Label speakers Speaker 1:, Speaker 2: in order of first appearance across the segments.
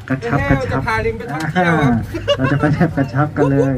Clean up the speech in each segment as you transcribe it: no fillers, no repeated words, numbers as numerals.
Speaker 1: กระชับ
Speaker 2: จะพาลิงไปท่องเที่ยวครับ
Speaker 1: เราจะไปแบบกระชับกันเลย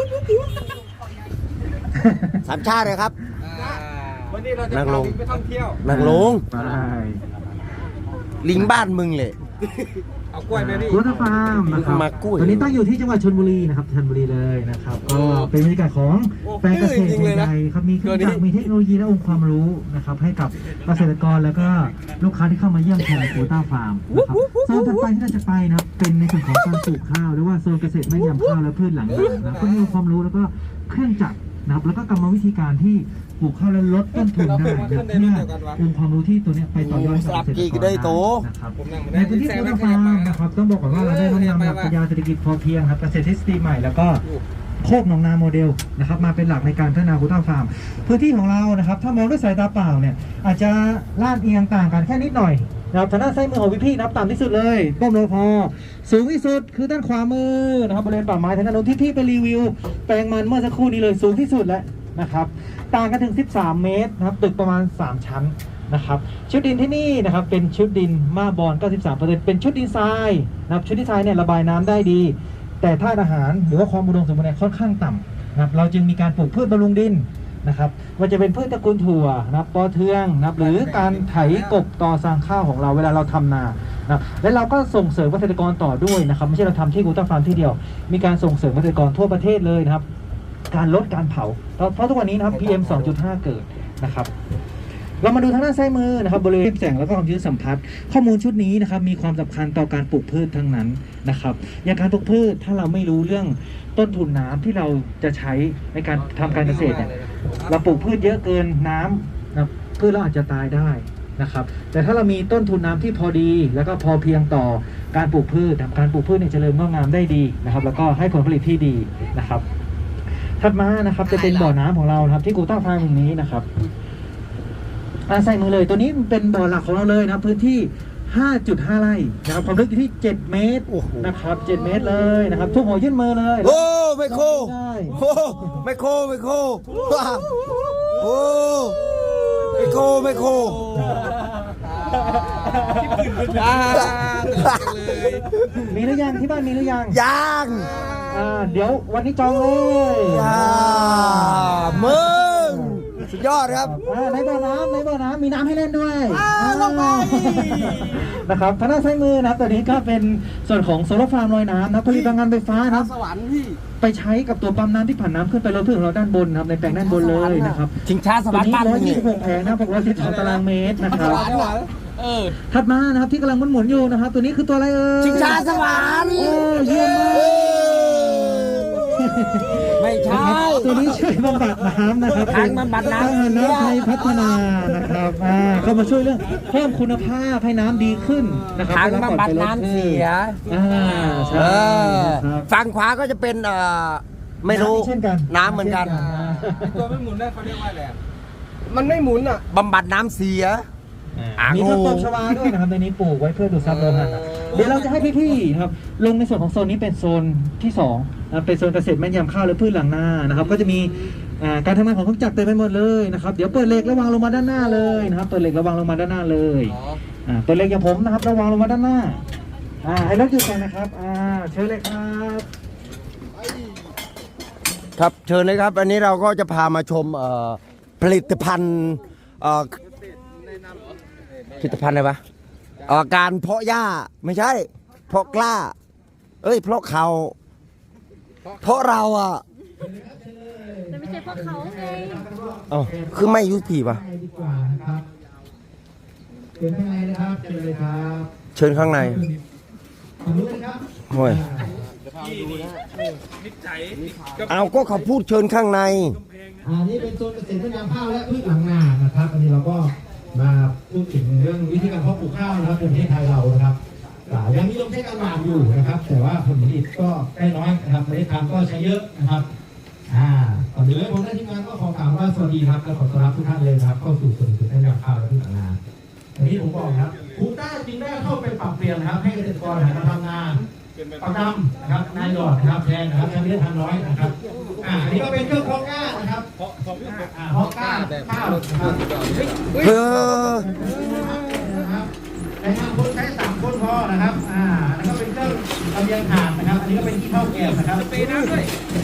Speaker 3: สามชาติเลยครับ
Speaker 2: วันนี้เราจะพาลิงไปท่องเที่ยว
Speaker 3: นางลง
Speaker 1: ไป
Speaker 3: ลิงบ้านมึงเลย
Speaker 2: เอากล้วยไหมพี่
Speaker 1: กูต้าฟาร์มนะครับ
Speaker 3: มากล้วย
Speaker 1: วันนี้ตั้งอยู่ที่จังหวัดชลบุรีนะครับชลบุรีเลยนะครับก็เป็นบรรยากาศของแปลงเกษตรใหญ่ๆครับมีเครื่องจักรมีเทคโนโลยีและองค์ความรู้นะครับให้กับเกษตรกรแล้วก็ลูกค้าที่เข้ามาเยี่ยมชมกูต้าฟาร์มนะครับโซนถัดไปที่เราจะไปนะครับเป็นในส่วนของการปลูกข้าวหรือว่าโซนเกษตรแม่นยำข้าวและพืชหลังนานะก็มีองค์ความรู้แล้วก็เครื่องจักรนะครับแล้วก็กรรมวิธีการที่ปลูกข้าวและลดต้นทุนได้เพื่อองค์ความรู้ที่ตัวเนี้ยไปต่อยอดกับเกษตรกรได้นะครับในพื้นที่กูต้าฟาร์มนะครับต้องบอกก่อนว่าเราได้น้อมนำหลักปรัชญาเศรษฐกิจพอเพียงครับเกษตรทฤษฎีใหม่แล้วก็โคกหนองนาโมเดลนะครับมาเป็นหลักในการพัฒนากูต้าฟาร์มพื้นที่ของเรานะครับถ้ามองด้วยสายตาเปล่าเนี่ยอาจจะลาดเอียงต่างกันแค่นิดหน่อยนะครับทางด้านซ้ายมือของพี่ๆนับต่ำที่สุดเลยก้มลงพอสูงที่สุดคือด้านขวามือนะครับบริเวณป่าไม้ทางด้านโน้นที่พี่ไปรีวิวแปลงมันเมื่อสักครู่นี้เลยสูงที่สุดแล้วนะครับต่างกันถึง13เมตรนะครับตึกประมาณ3ชั้นนะครับชุดดินที่นี่นะครับเป็นชุดดินมาบอน 93% เป็นชุดดินทรายนะครับชุดดินทรายเนี่ยระบายน้ำได้ดีแต่ธาตุอาหารหรือว่าความอุดมสมบูรณ์เนี่ยค่อนข้างต่ำนะครับเราจึงมีการปลูกพืชบำรุงดินนะครับว่าจะเป็นพืชตระกูลถั่วนะครับปอเทืองนะครับหรือการไถกบตอสร้างข้าวของเราเวลาเราทำนานะและเราก็ส่งเสริมเกษตรกรต่อด้วยนะครับไม่ใช่เราทำที่กูต้าฟาร์มที่เดียวมีการส่งเสริมเกษตรกรทั่วประเทศเลยนะครับการลดการเผาเพราะทุกวันนี้นะครับ PM 2.5 เกิดนะครับเรามาดูทางด้านซ้ายมือนะครับบริเวณแสงแล้วก็ความชื้นสัมผัสข้อมูลชุดนี้นะครับมีความสำคัญต่อการปลูกพืชทั้งนั้นนะครับอย่างการปลูกพืชถ้าเราไม่รู้เรื่องต้นทุนน้ำที่เราจะใช้ในการทำการเกษตรเนี่ยเราปลูกพืชเยอะเกินน้ำนะพืชเราอาจจะตายได้นะครับแต่ถ้าเรามีต้นทุนน้ำที่พอดีแล้วก็พอเพียงต่อการปลูกพืชทำการปลูกพืชเนี่ยเจริญงอกงามได้ดีนะครับแล้วก็ให้ผลผลิตที่ดีนะครับถัดมานะครับจะเป็นบ่อน้ำของเรานะครับที่กูต้าฟาร์มแห่งนี้นะครับใส่มือเลยตัวนี้เป็นบ่อหลักของเราเลยนะพื้นที่ 5.5 ไร่นะครับความลึกอยู่ที่7เมตรนะครับ7เมตรเลยนะครับทุกหัวยื่นมือเลย
Speaker 3: โอ้ไม่โคโอ้ไม่โคไม่โคโอ้ไม่โคไม่โค
Speaker 1: มีหรือยังที่บ้านมีหรือยัง
Speaker 3: ยัง
Speaker 1: เดี๋ยววันนี้จองเลย
Speaker 3: มึงสุดยอดครับ
Speaker 1: ในบ่อน้ำมีน้ำให้เล่นด้วยลงไปนะครับทางด้านซ้ายมือนะครับตัวนี้ก็เป็นส่วนของโซลาร์ฟาร์มลอยน้ำนะผลิตพลังงานไฟฟ้านะครับ
Speaker 2: สวรรค์พี่
Speaker 1: ไปใช้กับตัวปั๊มน้ำที่ผ่านน้ำขึ้นไปรถพืชของเราด้านบนนะครับในแปลงด้านบนเลยนะครับ
Speaker 3: ชิงช้าสวรรค์บ้าน
Speaker 1: นี้126แผงนะ612ตารางเมตรนะครับถัดมานะครับที่กำลังหมุนอยู่นะครับตัวนี้คือตัวอะไร
Speaker 3: ชิงช้าสวรรค์
Speaker 1: เยี่ยมมาก
Speaker 3: ไม่ใช่
Speaker 1: ตัวนี้ช่วยบำบัดน้ำนะครับ
Speaker 3: ทางบำบัดน้ำ
Speaker 1: น้ำไทยพัฒนานะครับเข้ามาช่วยเรื่องเพิ่มคุณภาพให้น้ำดีขึ้นนะครับ
Speaker 3: ทางบำบัดน้ำเสีย
Speaker 1: ใช่
Speaker 3: ฝั่งขวาก็จะเป็นไม่รู้น้ำเหมือนกัน
Speaker 2: ตัวไม่หมุนได้เขาเรียกว่าอะไรมันไม่หมุนอ่ะ
Speaker 3: บำบัดน้ำเสีย
Speaker 1: มีต้นตบชวาด้วยนะครับในนี้ปลูกไว้เพื่อดูดซับโลหะเดี๋ยวเราจะให้พี่ๆนะครับลงในส่วนของโซนนี้เป็นโซนที่2นะเป็นโซนเกษตรแม่นยำข้าวและพืชหลังนานะครับก็จะมีการทำงานของเครื่องจักรเต็มไปหมดเลยนะครับเดี๋ยวเปิดเหล็กระวางลงมาด้านหน้าเลยนะครับเปิดเหล็กระวางลงมาด้านหน้าเลยเปิดเหล็กอย่างผมนะครับระวางลงมาด้านหน้าให้รถหยุดกันนะครับเชิญเลยครับ
Speaker 3: ครับเชิญเลยครับอันนี้เราก็จะพามาชมผลิตภัณฑ์ผลิตภัณฑ์อะไรวะการเพาะหญ้าไม่ใช่เพาะกล้าเพาะเขาเพาะเรา
Speaker 4: แต่ไม่ใช่เพราะเขาไง
Speaker 3: คือไม่ยุติป่ะ
Speaker 1: เชิญข้างในนะครับเชิญเลยครับ
Speaker 3: เชิญข้างในโอ้ยเอาก็เขาพูดเชิญข้างใน
Speaker 1: นี่เป็นโซนเกษตรแม่นยำข้าวและพืชหลังนานะครับอันนี้เราก็มาพูดถึงเรื่องวิธีการเพาะปลูกข้าวนะครับในประเทศไทยเรานะครับยังนิยมใช้การหว่านอยู่นะครับแต่ว่าผลผลิตก็ได้น้อยนะครับเมล็ดพันธุ์ก็ใช้เยอะนะครับก่อนอื่นผมได้ทีมงานก็ขอกล่าวว่าสวัสดีครับและขอต้อนรับทุกท่านเลยครับเข้าสู่ส่วนเกษตรแม่นยำข้าวและพืชหลังนาอย่างที่ผมบอกครับกูต้าจึงได้เข้าไปปรับเปลี่ยนนะครับให้เกษตรกรหันมาทำนาประจำนะครับนายหยอดนะครับแทนนะครับใช้เมล็ดพันธุ์น้อยนะครับอันนี้ก็เป็นเครื่องเพาะกล้านะครับเพาะกล้าข้าวนะครับในทางคนใช้3 คนพอนะครับแล้วก็เป็นเครื่องลำเลียงถ่านนะครับ อันนี้ก็เป็นขี้เถ้าแกบนะครับเปน้ำด้วย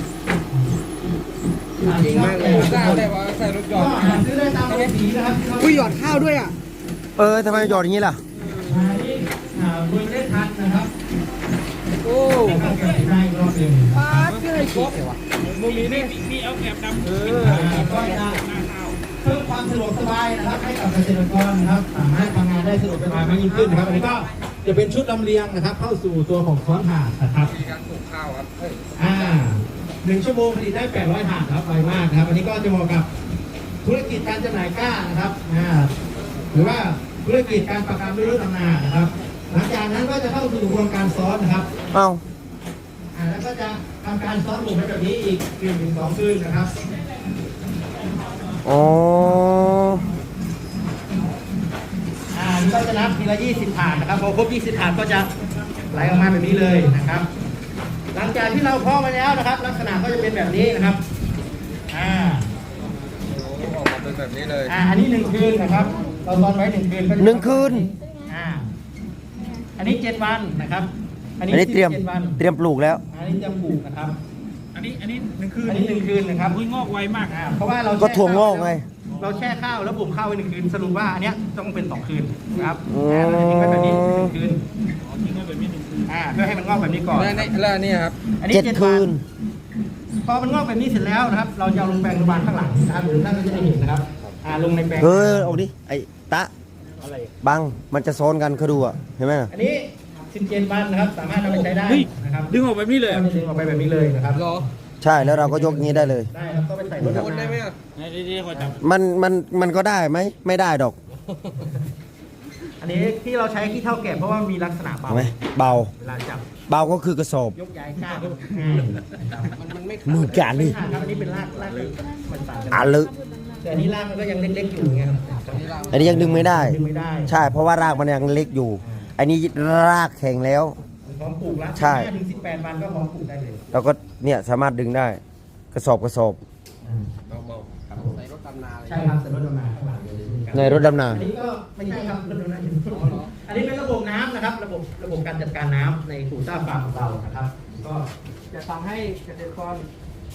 Speaker 1: จริงมากเลยได้ว่าใส่รถยอดซื้อได้ตามรถสีนะครับ
Speaker 2: อุ้ยหยอดข้าวด้วยอ่ะ
Speaker 3: ทำไมหยอดอย่างนี้ล่ะ
Speaker 1: เบอร์ได้ทันนะครับ
Speaker 2: โอ้
Speaker 1: ข้าวแกบได้อีกรอบหนึ่ง
Speaker 2: ปาดเลยครบมึงมีนี่มีเอาแกบดำ
Speaker 1: ก็จะเพิ่มความสะดวกสบายนะครับให้กับเกษตรกรนะครับสามารถทำงานได้สะดวกสบายมากยิ่งขึ้นนะครับอันนี้ก็จะเป็นชุดลำเลียงนะครับเข้าสู่ตัวของซ้อนถ่านนะครับ
Speaker 2: มีการปลูกข้าวครับ
Speaker 1: 1 ชั่วโมงผลิตได้800ถ่านครับไวมากนะครับอันนี้ก็จะเหมาะกับธุรกิจการจำหน่ายก้านะครับหรือว่าธุรกิจการประกันด้วยรถดำนานะครับหลังจากนั้นก็จะเข้าสู่กระบวนการซ้อนนะครับ
Speaker 3: เอ้า
Speaker 1: แล้วก็จะทำการซ้อนหลุมไปแบบนี้อีก1-2 คืนนะครับ
Speaker 3: อ๋อ
Speaker 1: นี่ก็จะนับทีละ20 ถาดนะครับพอครบ20 ถาดก็จะไหลออกมาแบบนี้เลยนะครับ หลังจากที่เราเพาะมาแล้วนะครับ ลักษณะก็จะเป็นแบบนี้นะครับ
Speaker 2: ออกมาเป็นแบบนี้เลย
Speaker 1: อันนี้1 คืนนะครับเราตอนไว้1 คืนก็จะ
Speaker 3: 1 คืน
Speaker 1: อันนี้7 วันนะครับอันนี้
Speaker 3: เตรียม
Speaker 1: 17 วัน
Speaker 3: ปลูกแล้ว
Speaker 1: อันนี้เตรียมปลูกนะครับ
Speaker 2: อันนี้1 คืน
Speaker 1: อันนี้1 คืนนะครับ
Speaker 2: อุ้ยงอกไวมาก
Speaker 1: เพราะว่าเรา
Speaker 3: ก็ถั่วงอกไง
Speaker 1: เราแช่ข้าวแล้วบ่มข้าวไว้1 คืนสรุปว่าอันเนี้ยต้องเป็น2 คืนนะครับ
Speaker 3: อ๋อ
Speaker 1: เราจะทิ้งไว้แบบนี้1 คืน
Speaker 2: ทิ้งไว้แบบนี้1 คืน
Speaker 1: เพื่อให้มันงอกแบบนี้ก่อน
Speaker 2: แล้วนี่ครับ
Speaker 1: อันนี้
Speaker 3: 7
Speaker 1: 7
Speaker 3: คื
Speaker 1: วัน
Speaker 3: น
Speaker 1: พอมันงอกแบบนี้เสร็จแล้วนะครับ เราจะเอาลงแปลงระบาดข้างหลังนะครับหรือท่านก็จะได้เห็นนะครับลงในแปลง
Speaker 3: เอาดิ ไอ้ตะ
Speaker 1: อะไร
Speaker 3: บัง มันจะซ้อนกันเขาดูอ่ะ เห็นไหมน่ะ
Speaker 1: อันนี้17 วันนะครับ สามารถนำไปใช้ได้นะครับ
Speaker 2: ดึงออกแบบนี้เลย
Speaker 1: ก็จะดึงออกไปแบบนี้เลยนะครับ
Speaker 3: ใช่ แล้วเราก็ยกอย่างนี้ได้เลย
Speaker 1: ได้ครับก็ไปใส่รถดับ
Speaker 2: ได้ไหม
Speaker 1: น้
Speaker 2: อ่ะดีๆขอจับ
Speaker 3: มันก็ได้ไหม ไม่ได้ดอก
Speaker 1: ำอันนี้ที่เราใช้ขี้เถ้าแกะเพราะว่ามีลักษณะเบา
Speaker 3: เห็นไหม เบา
Speaker 1: เวลาจับ
Speaker 3: เบาก็คือกระสอบ
Speaker 1: ยกย้ายก้าน
Speaker 2: มันไม่
Speaker 3: มือการนี่
Speaker 1: ครับอันนี้เป็นรากมันต่างกัน
Speaker 3: อ่ะลึก
Speaker 1: แต่อันนี้รากมันก็ยังเล็กๆอยู่ไงครับ
Speaker 3: อันนี้ยังดึงไม่ได้
Speaker 1: ดึงไม่ได้
Speaker 3: ใช่ เพราะว่ารากมันยังเล็กอยู่ อันนี้รากแข็งแล้ว
Speaker 1: พร้อมปลูกแล้ว
Speaker 3: ใช่
Speaker 1: 5-18 วันก็พร้อมปลูกได้เลย
Speaker 3: เราก็เนี่ยสามารถดึงได้ กระสอบ
Speaker 2: เบาๆใส่รถตำนาเลย
Speaker 1: ใช่ครับแต่รถดำนาข้างหลังเลย
Speaker 3: ในรถดำนา
Speaker 1: อันนี้ก็ไม่ใช่ครับรถดำนาอันนี้เป็นระบบน้ำนะครับ ระบบการจัดการน้ำในคูต้าฟาร์มของเรานะครับ ก็จะทำให้เกษตรกร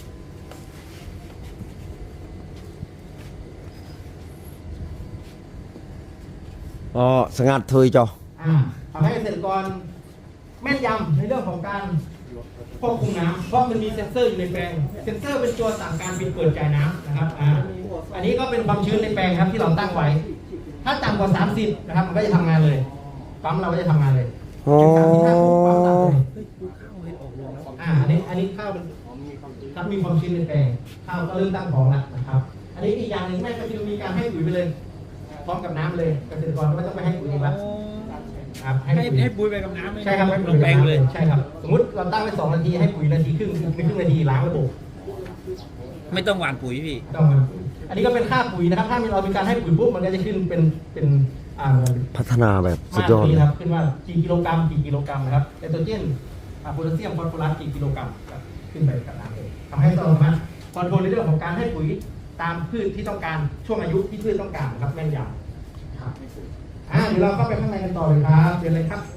Speaker 3: อ๋อ สงัดเทยจอ
Speaker 1: ทำให้เกษตรกรแม่นยำในเรื่องของการควบคุมน้ำเพราะมันมีเซ็นเซอร์อยู่ในแปลง เซ็นเซอร์เป็นตัวสั่งการปิดเปิดจ่ายน้ำนะครับอันนี้ก็เป็นความชื้นในแปลงครับที่เราตั้งไว้ ถ้าต่ำกว่า 30 นะครับมันก็จะทำงานเลยปั๊มเราก็จะทำงานเลย
Speaker 3: อ๋อ
Speaker 1: ปั๊มตัดเลยอันนี้ข้าวเป็นครับมีความชื้นในแปลงข้าวก็เริ่มตั้งท้องแล้วนะครับ อันนี้อีกอย่างหนึ่งแม่ก็คือมีการให้ปุ๋ยไปเลยพร้อมกับน้ำเลยเกษตรกรก็ไม่ต้องไปให้ปุ๋ยอีกแล้วครับ
Speaker 2: ให้ปุ๋ยไปกับน้ำ
Speaker 1: ใช่ครับให้ปุ๋ย
Speaker 2: แปลงเลย
Speaker 1: ใช่ครับสมมติเราตั้งไว้2 นาทีให้ปุ๋ยนาทีครึ่งในครึ่งนาทีล้างระบบ
Speaker 2: ไม่ต้องหว่านปุ๋ยพี่
Speaker 1: ต้องมันอันนี้ก็เป็นค่าปุ๋ยนะครับถ้าเรามีการให้ปุ๋ยปุ๊บมันก็จะขึ้นเป็น
Speaker 3: พัฒนาแบบสุดยอด
Speaker 1: มาตรนี้ครับขึ้นว่ากี่กิโลกรัมนะครับไนโตรเจนโพแทสเซียมฟอสฟอรัสกี่กิโลกรัมครับขึ้นไปกับน้ำเลยทำให้เราสามารถคอนโทรลในเรื่องของการให้ปุ๋ยตามพืชที่ต้องการช่วงอายุที่พืชต้องการครับแม่นยำครับเดี๋ยวเราเข้าไปข้างในกันต่อเลยครับเดี๋ยวเลยครับ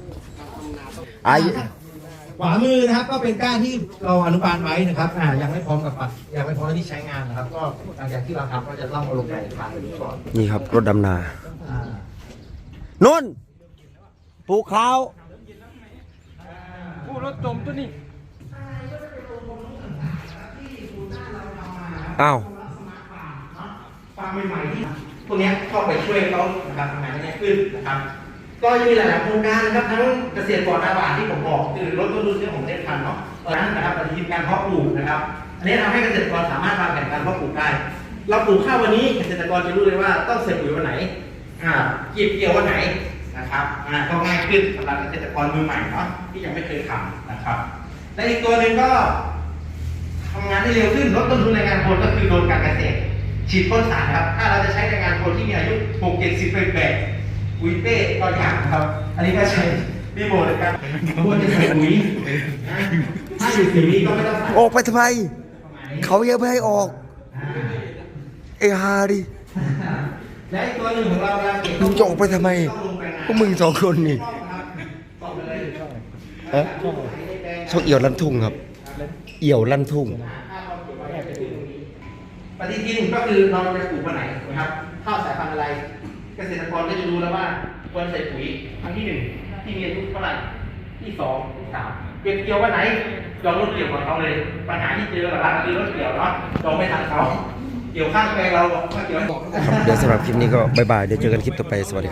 Speaker 1: ขวามือนะครับก็เป็นก้านที่เราอนุบาลไว้นะครับยังไม่พร้อมกับปักยังไม่พร้อมที่ใช้งานนะครับ ก็หลังจากที่เราทำก็จะต้องเอาลงไปผ่านก่อน
Speaker 3: นี่ครับ รถดำนานุ่นปลูกข้าว
Speaker 2: ผู้รถจมตัวนี้
Speaker 3: อ้าว
Speaker 1: ฟาร์มใหม่ๆที่พวกนี้เข้าไปช่วยเขานะครับทำงานได้ง่ายขึ้นนะครับ ก็จะมีหลายๆโครงการนะครับทั้งเกษตรกรอาบาที่ผมบอกคือลดต้นทุนเรื่องของเมล็ดพันธุ์เนาะตอนนั้นนะครับปฏิทินการเพาะปลูกนะครับอันนี้ทำให้เกษตรกรสามารถวางแผนการเพาะปลูกได้เราปลูกข้าววันนี้เกษตรกรจะรู้เลยว่าต้องเสร็จปุ๋ยวันไหนเก็บเกี่ยววันไหนนะครับก็ง่ายขึ้นสำหรับเกษตรกรมือใหม่เนาะที่ยังไม่เคยทำนะครับและอีกตัวหนึ่งก็ทำงานได้เร็วขึ้นลดต้นทุนแรงงานคนก็คือโดนการเกษตรฉีดพ่นสารครับถ้าเราจะใช้แรงงานคนที่มีอายุ60-70 ปีปุ๋ยเป้ก็ยากครับอันนี้ก็ใช้รีโมทในการควรจะใส่ปุ๋ยถ้าอยู่สีนี้ก็ไม่ต้องใส่
Speaker 3: ออกไปทำไม เขาเยอะไม่ให้ออก เอฮาดิ
Speaker 1: และอีกตัวหนึ่งของเราเวลาเก็บ
Speaker 3: มึงจะออกไปทำไม พวกมึง2 คนนี่
Speaker 1: ต่อไปเลย
Speaker 3: เอ๊ะช่องเอี่ยวลั่นทุ่งครับ เอี่ยวลั่นทุ่ง
Speaker 5: ปฏิทินก็คือเราจะปลูกวันไหนนะครับข้าวสายพันธุ์อะไร เกษตรกรก็จะรู้แล้วว่าควรใส่ปุ๋ยครั้งที่ 1 ที่มีอายุเท่าไหร่ที่ 2 ที่ 3เก็บเกี่ยววันไหนเรารถเกี่ยวของเขาเลย ปัญหาที่เจอหลักๆคือรถเกี่ยวเนาะเราไม่ทันเขาเกี่ยวข้างแปลงเราก็เกี่ยวให้หมด
Speaker 3: ครับเดี๋ยวสำหรับคลิปนี้ก็บ๊ายบาย เดี๋ยวเจอกันคลิปต่อไป สวัสดีครับ